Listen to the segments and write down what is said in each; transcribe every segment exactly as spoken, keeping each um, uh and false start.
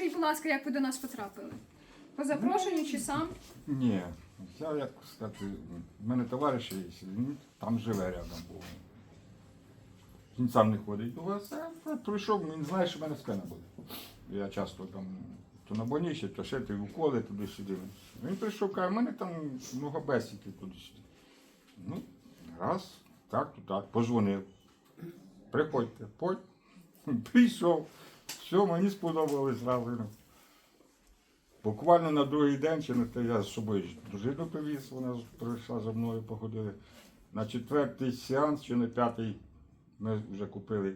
Розкажіть, будь ласка, як ви до нас потрапили? По запрошенню чи сам? Ні, я як сказати, в мене товариш є, він там живе рядом був. Він сам не ходить до вас, я прийшов, він знає, що в мене спина буде. Я часто там то на больничі, то ще ти уколи туди-сюди. Він прийшов, каже, в мене там много бесіки туди-сюди. Ну, раз, так, то так, позвонив. Приходьте, подь. Прийшов. Все, мені сподобалось зразу. Буквально на другий день, чи на те, я з собою дружину привіз, вона прийшла за мною, походили. На четвертий сеанс, чи на п'ятий, ми вже купили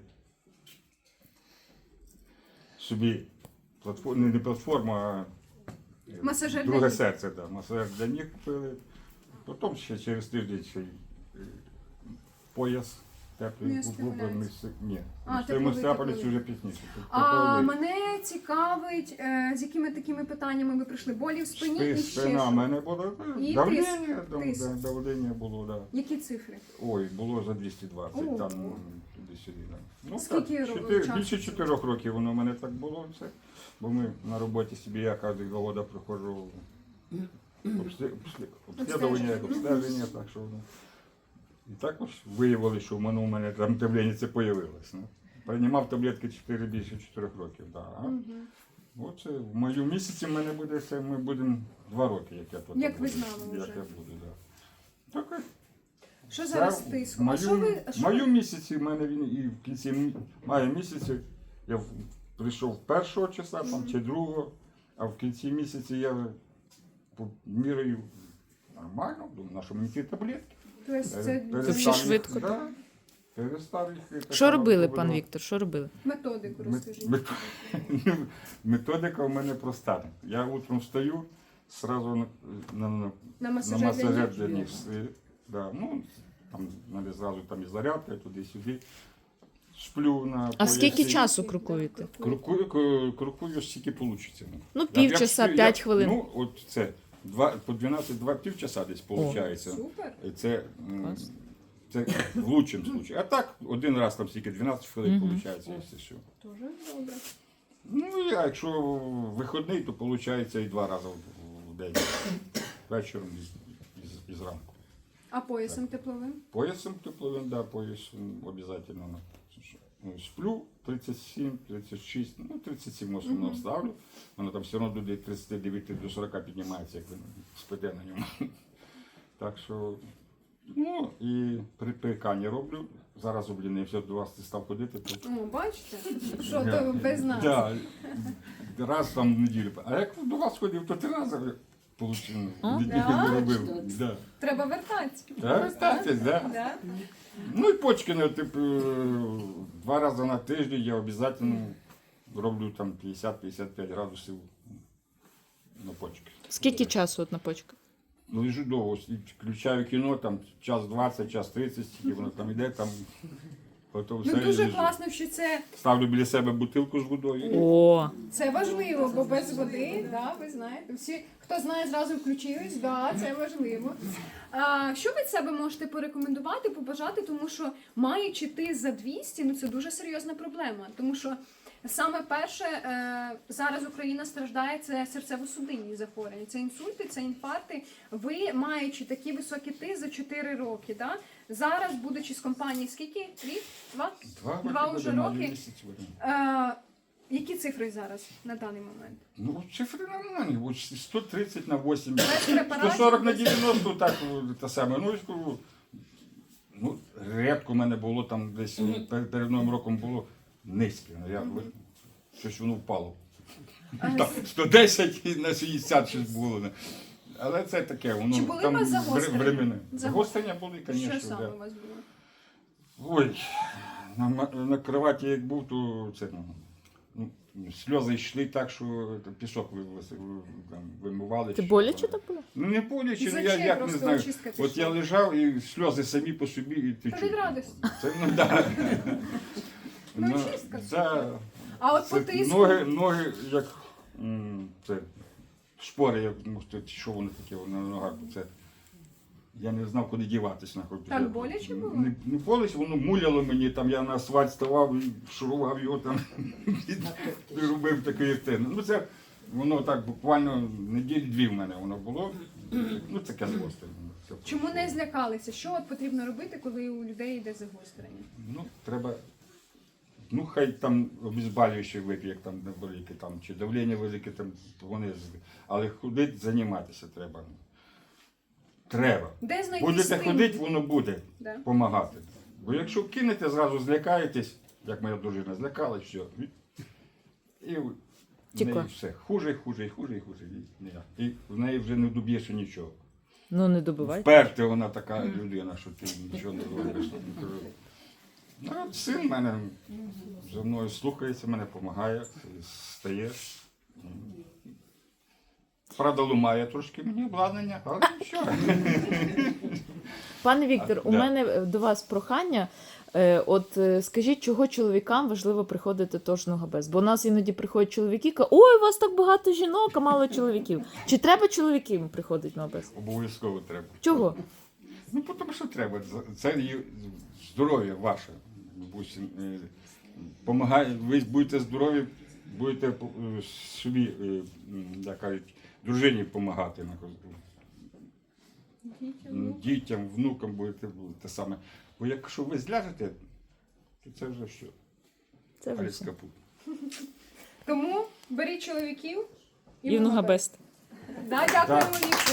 собі платформу, не платформу, а Масажер для друге ніг. серце, да, масажер для ніг купили. Потім ще через тиждень ще й е, пояс теплий Міостимуляція. гублений. Ні, А, в тепловий, Степанівці тепловий. вже пізніше. А Тепловий. мене цікавить, е, з якими такими питаннями ви прийшли? Болі в спині Спи- і ще Спина в що? мене було, І давлення, тиск, дав- тиск. да, давлення було, да. Які цифри? Ой, було за двісті двадцять, О. там м, туди-сюди. Да. Ну, Скільки так, ро- чотири- часу більше це? чотирьох років воно в мене так було все. Бо ми на роботі собі, я кожен два роки проходжу обслі- обслі- обслідування, як обстеження, так що воно. І також виявили, що в мене у мене там давлення це появилось. Ну. Приймав таблетки чотири більше чотирьох років. Да. А Мгм. Оце в мою місяці в мене буде це, ми будемо два роки, як я тут. Як ви буду, знали як вже. я буду, да. Так, Що це зараз з в тиском? А мою, що ви, а в що мою ви- місяці в мене він і в кінці м- мая місяці я в- прийшов першого числа там, чи другого, а в кінці місяці я вже по- міряю нормально, думаю, на що мені ті таблетки. Тобто це Перестав Це їх- ще швидко, Да, перестав їх. Що робили, пан Віктор? Віктор? Що робили? методику розкажіть. Методика у мене проста. Я утром встаю, сразу на, на, на, На на масажер для масажер ніг? для ніг. Е, Да, ну, там надо зразу там і зарядка, туди-сюди. Сплю на А скільки поясі. часу крокуєте? Крокую, ку- крокую скільки вийде. Ну, півчаса, п'ять хвилин. Ну, от це, два, по дванадцять, два півчаса десь виходить. Супер. Це, м, Клас. це в лучшому случае. А так, один раз там стільки дванадцять хвилин Мгм. виходить, якщо що. Дуже добре. Ну, а якщо вихідний, то виходить і два рази в- в день. Вечором і, і, і зранку. А поясом тепловим? Поясом тепловим, да, поясом обов'язково. Ну, сплю тридцять сім, тридцять шість, ну тридцять сім в основному Мгм. ставлю. Воно там все одно до тридцять дев'ять до сорока піднімається, як ви спите на ньому. Так що, ну і при прикані роблю. Зараз облінився до вас став ходити. То, О, бачите? Що то без нас? да, раз там в неділю. А як до вас ходив, то три рази получив. А? Да? робив. Да. Треба вертатися. Так, вертайтесь, да. Да? Ну і почки, ну, типу, два рази на тиждень я обов'язково роблю там п'ятдесят - п'ятдесят п'ять градусів на почки. Скільки часу от на почках? Ну, лежу довго, включаю кіно, там час двадцять, час тридцять, і воно там іде, там готово Ну все, і дуже лежу. класно, що це, Ставлю біля себе бутилку з водою. О, це важливо, бо без води, да, ви знаєте, всі, хто знає, зразу включились, да, це важливо. А, що ви від себе можете порекомендувати, побажати, тому що маючи ти за двісті, ну це дуже серйозна проблема, тому що саме перше, е, зараз Україна страждає, це серцево-судинні захворювання, це інсульти, це інфаркти. Ви, маючи такі високі ти за чотири роки, да, зараз, будучи з компанії, скільки? Рік? Два? Два, Два роки вже буде, майже роки. місяць буде. Е, які цифри зараз на даний момент? Ну, цифри нормальні, от сто тридцять на вісім, Без препаратів, сто сорок на без- дев'яносто, так, те саме. Ну, я скажу, ну, рідко в мене було там десь, перед, перед Новим роком було низьке. Ну, я, ви- щось воно впало. А, Там сто десять і на шістдесят щось було. не. Але це таке, воно Чи були там у вас загострення? времени. Загострення? Загострення були, Що звісно. саме Да. у вас було? Ой, на, ма- на кроваті як був, то це, ну, ну, сльози йшли так, що та пісок ви, ви, ви- там, вимивали. ти чи боляче що. так було? Ну не боляче, Із ну, я очей як не просто знаю. очистка От пішла. я лежав і сльози самі по собі і Та від течуть. радості. Це, ну, да. Ну, очистка. да. А от по Це тиску? ноги, ноги як м, це, шпори, як, ну, це, що воно таке воно на ногах. Це, я не знав, куди діватись. нахуй. Так боляче було? Не, не боляче, воно муляло мені, там я на асфальт ставав і шурував його там, і робив такий ефект. Ну це, воно так буквально неділі-дві в мене воно було. Ну таке загострення. Все. Чому не злякалися? Що от потрібно робити, коли у людей йде загострення? Ну, треба, ну хай там обезболюючі вип'є, як там велике, там, чи давлення велике, там, вони, з- але ходити, займатися треба. Треба. Де знайти Будете стимул? ходити, воно буде Да. допомагати. Бо якщо кинете, зразу злякаєтесь, як моя дружина злякалась, все. І в Тікла. неї все. Хуже, і хуже, і хуже, і хуже. І, ніяк. І в неї вже не доб'єш нічого. Ну не добивайте. Вперте вона така людина, що ти нічого не робиш. Ну, от син в мене за мною слухається, мене допомагає, стає. Правда, лумає трошки мені обладнання, але що? Пане Віктор, А, у да. мене до вас прохання. Е, От е, скажіть, чого чоловікам важливо приходити тож ногабез? Бо у нас іноді приходять чоловіки, кажуть, ой, у вас так багато жінок, а мало чоловіків. Чи треба чоловікам приходити на без? Обов'язково треба. Чого? Ну, тому що треба. Це є здоров'я ваше. Допустим, е, помагає, ви будете здорові, будете е, собі, е, м, як кажуть, дружині допомагати. Дітям, внукам будете те саме. Бо якщо ви зляжете, то це вже що? Це вже Аліс все. капут. Тому беріть чоловіків І в ногабез. Да, дякуємо, Так. Віктор.